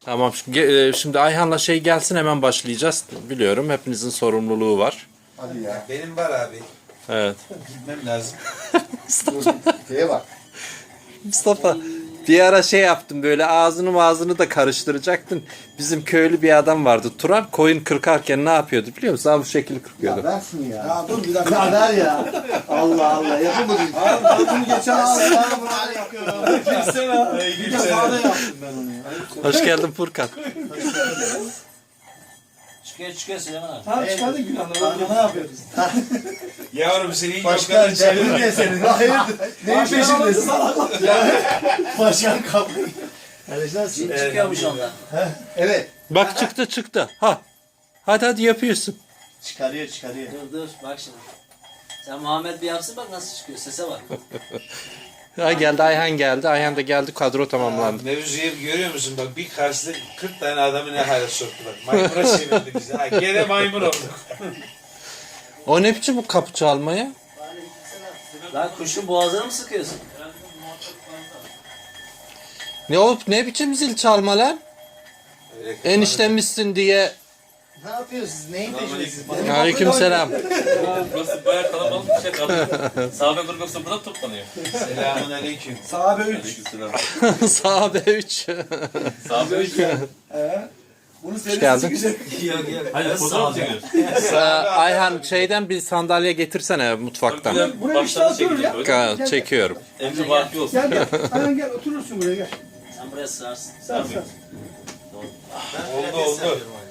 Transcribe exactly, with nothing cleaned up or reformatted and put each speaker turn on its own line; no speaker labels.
Tamam. Ge- e, Şimdi Ayhan'la şey gelsin, hemen başlayacağız. Biliyorum hepinizin sorumluluğu var.
Hadi ya.
Benim var abi.
Evet.
Gitmem lazım.
Şeye bak.
Mustafa, bir ara şey yaptım, böyle ağzını ağzını da karıştıracaktın. Bizim köylü bir adam vardı, Turan, koyun kırkarken ne yapıyordu biliyor musun? Abi bu şekilde kırkıyordu.
Ya ver şunu ya.
Ya dur bir dakika.
Ya ver ya. Allah Allah. Yapamadın.
Abi ben bunu geçen hafta bana yapıyorum. Bir de sağda yaptım ben onu ya.
Hoş geldin Furkan.
Çıkıyor çıkıyor Süleyman abi.
Tamam çıkardın günahını. Ne yapıyoruz?
Yavrum senin
Başkan
yokanın
çevirin
çevirme.
diye senin. Hayırdır? Neyin peşindesin? Başkan kapıyı.
Şimdi çıkıyormuş ondan.
Evet.
Bak çıktı çıktı. Ha. Hadi hadi yapıyorsun.
Çıkarıyor çıkarıyor.
Dur dur bak şimdi. Sen Muhammed bir yapsın bak nasıl çıkıyor sese bak.
Ha, geldi Ayhan geldi. Ayhan da geldi, kadro tamamlandı.
Mevzuyu görüyor musun? Bak bir karşılık kırk tane adamı ne hale soktular. Maymuna çevirdi bizi. Ha, gene maymun olduk.
O ne biçim bu kapı çalmaya?
Lan kuşun boğazını mı sıkıyorsun?
Ne o ne biçim zil çalma lan?
Öyle
Eniştemizsin diye.
Ne yapıyorsunuz? Neyin peşindesiniz?
Aleykümselam.
Burası bayağı kalabalık bir şey kaldı. Sahabe grubu yoksa burada toplanıyor.
Selamun aleyküm.
Sahabe üç.
Sahabe üç.
Sahabe üç.
Ee, bunu serisi
geldin.
güzel.
Hayır fotoğraf çekiyoruz.
Ayhan şeyden bir sandalye getirsene mutfaktan.
Buraya
Buraya işte
baştan
oturur ya.
çekiyoruz.
Ka- Çekiyorum.
Emri vaki olsun.
Gel gel. Aynen gel oturursun buraya gel.
Sen buraya sığarsın.
Sar sar.
Oldu oldu.